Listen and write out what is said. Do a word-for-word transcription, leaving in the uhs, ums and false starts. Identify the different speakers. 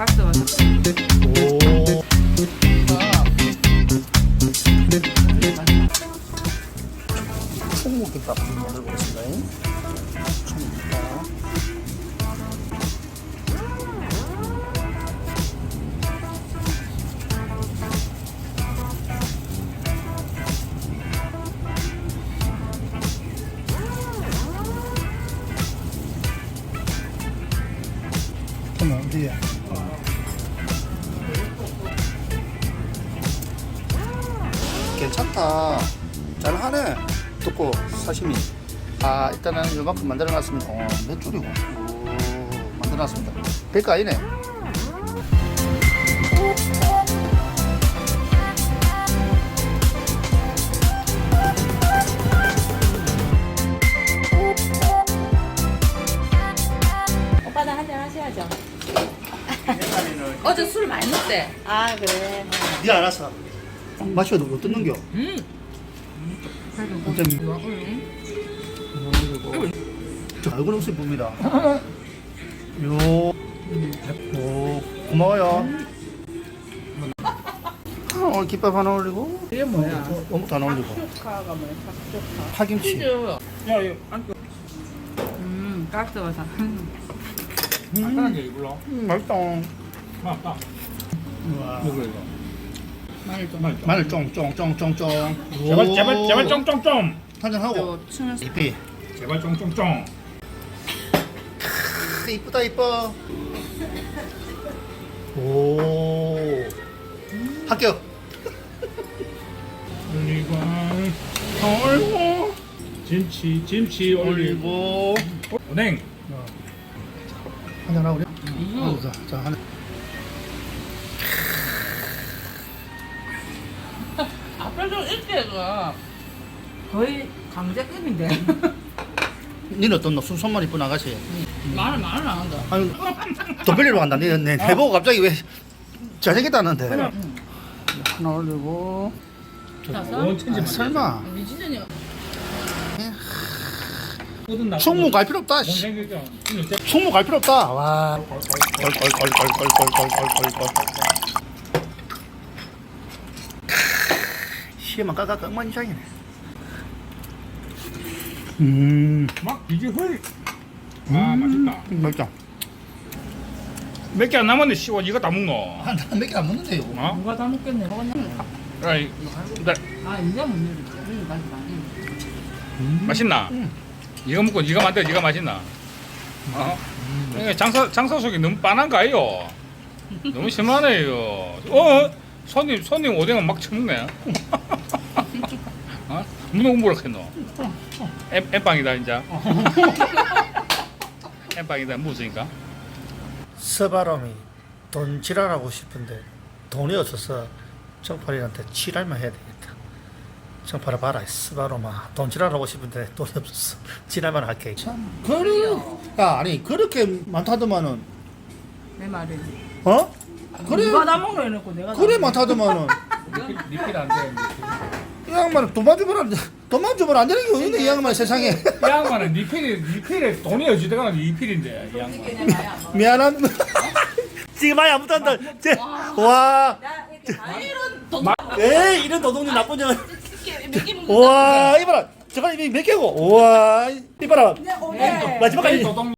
Speaker 1: 깍두 와서.
Speaker 2: 오. 총무김밥 만들어 보겠습니다. 총무김밥. 그럼 어디야? 괜찮다. 잘하네. 뜯고 사시미. 아, 일단은 요만큼 만들어놨습니다. 어, 몇 줄이고. 오, 만들어놨습니다. 별거 아니네.
Speaker 1: 오빠도 한잔 하셔야죠. 어제 술 많이 먹대. 아 그래.
Speaker 2: 니 알아서. 마셔도 못 뜯는겨.
Speaker 1: 음.
Speaker 2: 진짜 저 얼굴 웃음 봅니다. 요, 오, 고마워요. 어, 오늘 김밥 하나 올리고,
Speaker 1: 이게 뭐야?
Speaker 2: 어묵도 하나 올리고,
Speaker 1: 탁조카가 뭐야? 탁조카.
Speaker 2: 파김치.
Speaker 1: 야 이거 안 끓. 음 깍두 와서.
Speaker 3: 간단한 게 이걸로.
Speaker 2: 음, 맛있다.
Speaker 3: 맞다.
Speaker 2: 우와.
Speaker 3: 먹어 이거.
Speaker 1: 마늘 좀.
Speaker 3: 마늘 좀.
Speaker 2: 마늘 쫑쫑쫑쫑쫑.
Speaker 3: 제발 제발 제발 쫑쫑쫑.
Speaker 2: 한잔 하고.
Speaker 1: 또 춤을.
Speaker 2: 이쁘.
Speaker 3: 제발 쫑쫑쫑.
Speaker 2: 이쁘다 이뻐. 오. 합격.
Speaker 3: 올리고 올고 김치 김치 올리고
Speaker 2: 올리고.
Speaker 3: 오뎅.
Speaker 2: 한잔 하고 그래.
Speaker 1: 음.
Speaker 2: 자, 자 한.
Speaker 1: 앞에 좀 일대가 거의 강제급인데.
Speaker 2: 니는 어떤 너 순선만 이쁜 아가씨.
Speaker 1: 말을 말을 안 한다.
Speaker 2: 아니 돈 빌리러 간다. 니 내 해보고 갑자기 왜 잘생겼다는데.
Speaker 1: 응.
Speaker 2: 하나 올리고.
Speaker 1: 자서?
Speaker 3: 원 천지
Speaker 2: 아, 설마.
Speaker 1: 미진이
Speaker 2: 충무 갈 필요 없다. 씨.
Speaker 3: 못생겼죠.
Speaker 2: 충무 갈 필요 없다. 와. 걸걸걸걸걸걸걸걸걸. 시에만 까까 깡만이장이네. 음,
Speaker 3: 막 비주얼. 아 맛있다.
Speaker 2: 맛있다.
Speaker 3: 몇 개 안 남았네. 씨와 이거 다 먹노.
Speaker 2: 한몇개 안 먹는데 이거.
Speaker 3: 어?
Speaker 1: 누가 다 먹겠네. 먹었나?
Speaker 3: 아이, 나
Speaker 1: 아 이제 못 내리지. 응, 많이 많이.
Speaker 2: 음.
Speaker 3: 맛있나?
Speaker 2: 음.
Speaker 3: 이거 먹고 네가 만들 네가 맛있나? 어? 이게 장사 장사 속이 너무 빤한 거 아니요? 너무 심하네요. 어? 손님 손님 오뎅은 막 처먹네. 어? 무슨 공부를 했노? 엠 엠빵이다 진짜. 엠빵이다 무엇이니까?
Speaker 2: 서바람이 돈 지랄하고 싶은데 돈이 없어서 정팔이한테 지랄만 해야 되겠다. 정팔아 봐라, 스바로마 돈 지랄하고 싶은데 돈이 없어서 지랄만 할게. 참 그래. 야 아니 그렇게 많다더만은
Speaker 1: 내 말이지.
Speaker 2: 어? 그래
Speaker 1: 누가 다 먹으려 해놓고 내가.
Speaker 2: 그래 많다더만은
Speaker 3: 리필 리필 안 돼.
Speaker 2: 이 양반은 돈만 주면 안 돼. 돈만 주면 안 되는 게 어딨네 이 양반 세상에.
Speaker 3: 이 양반은 리필이 리필에 돈이 어찌되거나 리필인데 이 양반.
Speaker 2: 미안한. 지금 많이 안 붙었다. 와.
Speaker 1: 이런 돈.
Speaker 2: 에이 이런 도둑님 나쁜 년.
Speaker 1: 몇개 먹는.
Speaker 2: 와 이봐라. 저거 이몇 개고. 와 이봐라.
Speaker 1: 네.
Speaker 2: 마지막까지.
Speaker 3: 도둑